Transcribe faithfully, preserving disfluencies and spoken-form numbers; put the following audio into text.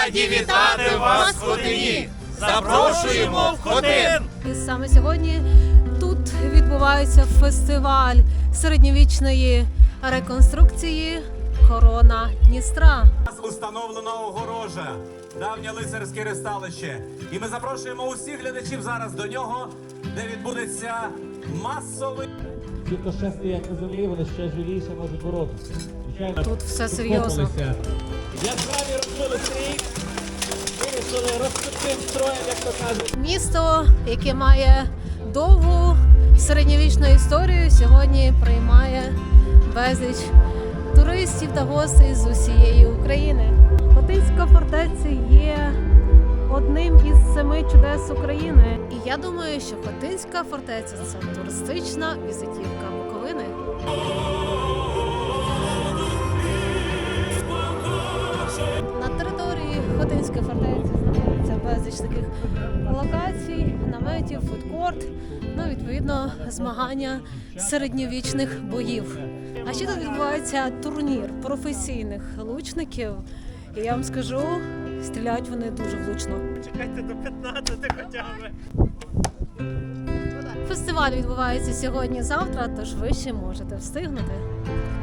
Раді вітати вас в Хотині! Запрошуємо в Хотин! І саме сьогодні тут відбувається фестиваль середньовічної реконструкції «Корона Дністра». Установлена огорожа, давнє лицарське ресталище. І ми запрошуємо усіх глядачів зараз до нього, де відбудеться масовий... Ті, хто ще стоять на землі, вони ще живіше можуть боротися. Звичайно, Тут все серйозно. Яскраві розбили стрій, вирішили розпочним строєм, як то кажуть. Місто, яке має довгу середньовічну історію, сьогодні приймає безліч туристів та гостей з усієї України. Хотинська фортеця є одним із семи чудес України. І я думаю, що Хотинська фортеця – це туристична візитівка Буковини. На території Хотинської фортеці знаходиться безліч таких локацій, наметів, фудкорт, ну, відповідно, змагання середньовічних боїв. А ще тут відбувається турнір професійних лучників. І я вам скажу, стріляють вони дуже влучно. Чекайте до п'ятнадцяти хоча б. Фестиваль відбувається сьогодні-завтра, тож ви ще можете встигнути.